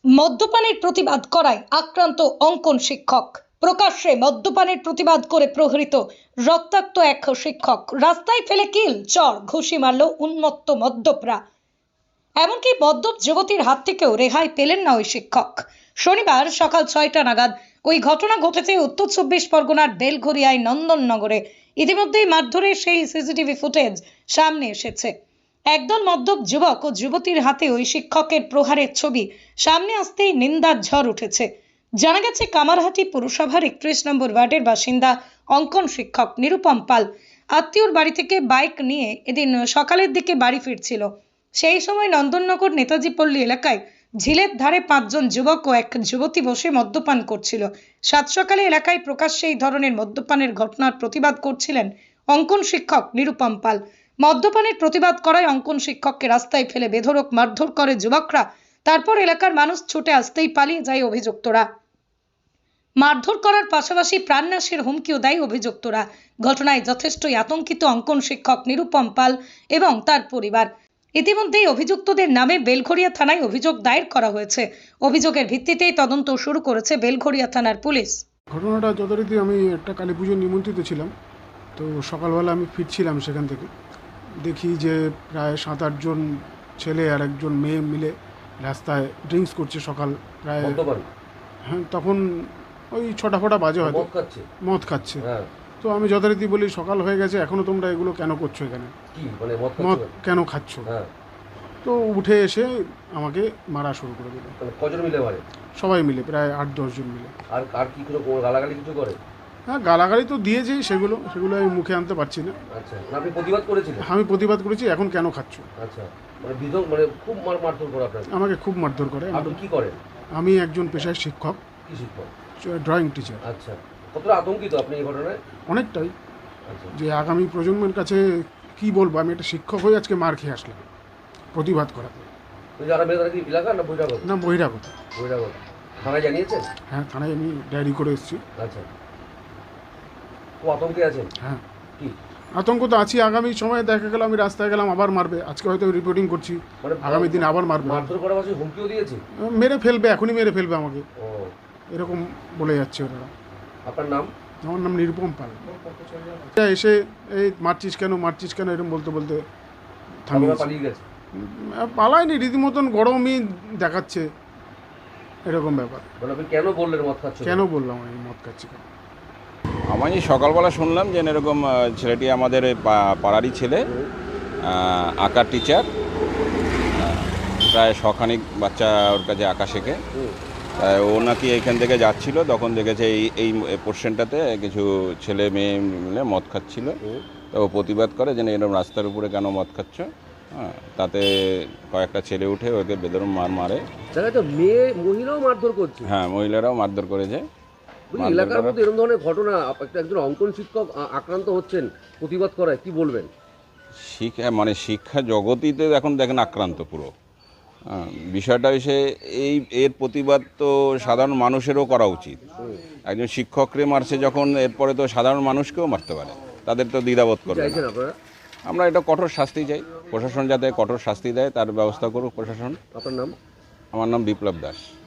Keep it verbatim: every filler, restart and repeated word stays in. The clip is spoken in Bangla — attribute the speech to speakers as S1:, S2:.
S1: মদ্যপানের প্রতিবাদ করায় আক্রান্ত অঙ্কন শিক্ষক। প্রকাশ্যে মদ্যপানের প্রতিবাদ করে প্রহৃত রক্তাক্ত এক শিক্ষক। রাস্তায় ফেলে কিল, চর, ঘুষি মারল উন্মত্ত মদ্যপরা। এমনকি মদ্যপ যুবতীর হাত থেকেও রেহাই পেলেন না ওই শিক্ষক। শনিবার সকাল ছয়টা নাগাদ ওই ঘটনা ঘটেছে উত্তর চব্বিশ পরগনার বেলঘরিয়ায় নন্দননগরে। ইতিমধ্যেই মারধরের সেই সিসিটিভি ফুটেজ সামনে এসেছে। একদল মদ্যপ যুবক ও যুবতীর হাতে ওই শিক্ষকের প্রহারের ছবি সামনে আসতেই নিন্দার ঝড় উঠেছে। জানা গেছে, কামারহাটি পুরসভার একত্রিশ নম্বর ওয়ার্ডের বাসিন্দা অঙ্কন শিক্ষক নিরুপম পাল আত্মীয়র বাড়ি থেকে বাইক নিয়ে এদিন সকালের দিকে বাড়ি ফিরছিল। সেই সময় নন্দননগর নেতাজি পল্লী এলাকায় ঝিলের ধারে পাঁচজন যুবক ও এক যুবতী বসে মদ্যপান করছিল। সাত সকালে এলাকায় প্রকাশ্যে এই ধরনের মদ্যপানের ঘটনার প্রতিবাদ করছিলেন অঙ্কন শিক্ষক নিরুপম পাল। মদ্যপানের প্রতিবাদ করায় অঙ্কন শিক্ষককে রাস্তায় ফেলে বেধড়ক মারধর করে যুবকরা। তারপর এলাকার মানুষ ছুটে আসতেই পালিয়ে যায় অভিযুক্তরা। মারধর করার পাশাপাশি প্রাণনাশের হুমকিও দেয় অভিযুক্তরা। ঘটনায় যথেষ্টই আতঙ্কিত অঙ্কন শিক্ষক নিরুপম পাল এবং তার পরিবার। ইতিমধ্যেই অভিযুক্তদের নামে বেলঘরিয়া থানায় অভিযোগ দায়ের করা হয়েছে। অভিযোগের ভিত্তিতেই তদন্ত শুরু করেছে বেলঘরিয়া থানার পুলিশ।
S2: ঘটনাটা যথারীতি আমি একটা কালী পুজোর নিমন্ত্রিত ছিলাম, তো সকালবেলা আমি ফিরছিলাম সেখান থেকে, দেখি যে প্রায় সাত আটজন ছেলে আর একজন মেয়ে মিলে রাস্তায় ড্রিঙ্কস করছে। সকাল প্রায় হ্যাঁ তখন ওই ছটা ফটা বাজে হয়তো, মদ খাচ্ছে। তো আমি যথারীতি বলি, সকাল হয়ে গেছে এখনো তোমরা এগুলো কেন করছো, এখানে মদ কেন খাচ্ছ? তো উঠে এসে আমাকে মারা শুরু করে দিল।
S3: কজন মিলে মারে?
S2: সবাই মিলে, প্রায় আট দশজন মিলে।
S3: আর আর কি কোনো গালাগালি কিছু করে?
S2: হ্যাঁ, গালাগালি তো দিয়েছি, সেগুলো সেগুলো আমি মুখে আনতে পারছি না।
S3: আচ্ছা, আপনি প্রতিবাদ করেছিলেন?
S2: আমি প্রতিবাদ করেছি, এখন কেন খাচ্ছ?
S3: আচ্ছা, মানে বিধক মানে খুব মার মারধর করে আপনাকে?
S2: আমাকে খুব মারধর করে।
S3: আপনি কি করেন?
S2: আমি একজন পেশায় শিক্ষক।
S3: কি শিক্ষক?
S2: Drawing teacher.
S3: আচ্ছা, কতটা আতঙ্কিত আপনি এই ঘটনায়?
S2: অনেকটাই।
S3: আচ্ছা,
S2: যে আগামী প্রজন্মের কাছে কি বলবো, আমি একটা শিক্ষক হয়ে আজকে মার খেয়ে আসলাম প্রতিবাদ করাতে।
S3: যারা মেয়ে তারা কি এলাকা না বহিরাগত?
S2: না, বহিরাগত।
S3: বহিরাগত। থানায় জানিয়েছেন?
S2: হ্যাঁ, থানায় আমি ডায়েরি করে এসেছি।
S3: আচ্ছা, খুব আতঙ্কে আছেন?
S2: হ্যাঁ,
S3: কি
S2: আতঙ্ক তো আছি। আগামী সময়ে দেখা গেল আমি রাস্তায় গেলাম, আবার মারবে। আজকে হয়তো রিপোর্টিং করছি, আগামী দিন আবার মারবে।
S3: মারধর করার পাশে হুমকিও দিয়েছে?
S2: মেরে ফেলবে, এখনই মেরে ফেলবে আমাকে,
S3: ও
S2: এরকম বলে যাচ্ছে ওরা।
S3: আপনার নাম?
S2: আমার নাম নিরুপম পাল। এসে এই মারছিস কেন মারছিস কেন এরকম বলতে বলতে থামিয়ে
S3: পালিয়ে গেছে।
S2: পালায়নি, রীতিমতন গরমই দেখাচ্ছে, এরকম ব্যাপার।
S3: আপনি কেন বললেন মদ খাচ্ছ?
S2: কেন বললাম আমি মদ খাচ্ছি কেন?
S4: আমি সকালবেলা শুনলাম যে এরকম ছেলেটি আমাদের পাড়ারই ছেলে, আঁকার টিচার, প্রায় শখানিক বাচ্চা ওর কাছে আঁকা শেখে। ও নাকি এখান থেকে যাচ্ছিল, তখন দেখেছে এই এই পোর্শনটাতে কিছু ছেলে মেয়ে মিলে মদ খাচ্ছিল। তো ও প্রতিবাদ করে যে এরকম রাস্তার উপরে কেন মদ খাচ্ছ। হ্যাঁ, তাতে কয়েকটা ছেলে উঠে ওকে বেদরম মার মারে।
S3: মেয়ে মহিলাও মারধর করছে? হ্যাঁ,
S4: মহিলারাও মারধর করেছে।
S3: এলাকার মধ্যে এরকম ধরনের ঘটনা, একজন অঙ্কন শিক্ষক আক্রান্ত হচ্ছেন, প্রতিবাদ করায় কি বলবেন?
S4: শিক্ষা মানে শিক্ষা জগতিতে এখন দেখেন আক্রান্ত পুরো। বিষয়টা হচ্ছে এই এর প্রতিবাদ তো সাধারণ মানুষেরও করা উচিত। একজন শিক্ষকরে মারছে যখন, এরপরে তো সাধারণ মানুষকেও মারতে পারে, তাদের তো দ্বিধাবোধ করবে না। আমরা এটা কঠোর শাস্তি চাই, প্রশাসন যাতে কঠোর শাস্তি দেয়, তার ব্যবস্থা করুক প্রশাসন।
S3: আপনার নাম?
S4: আমার নাম বিপ্লব দাস।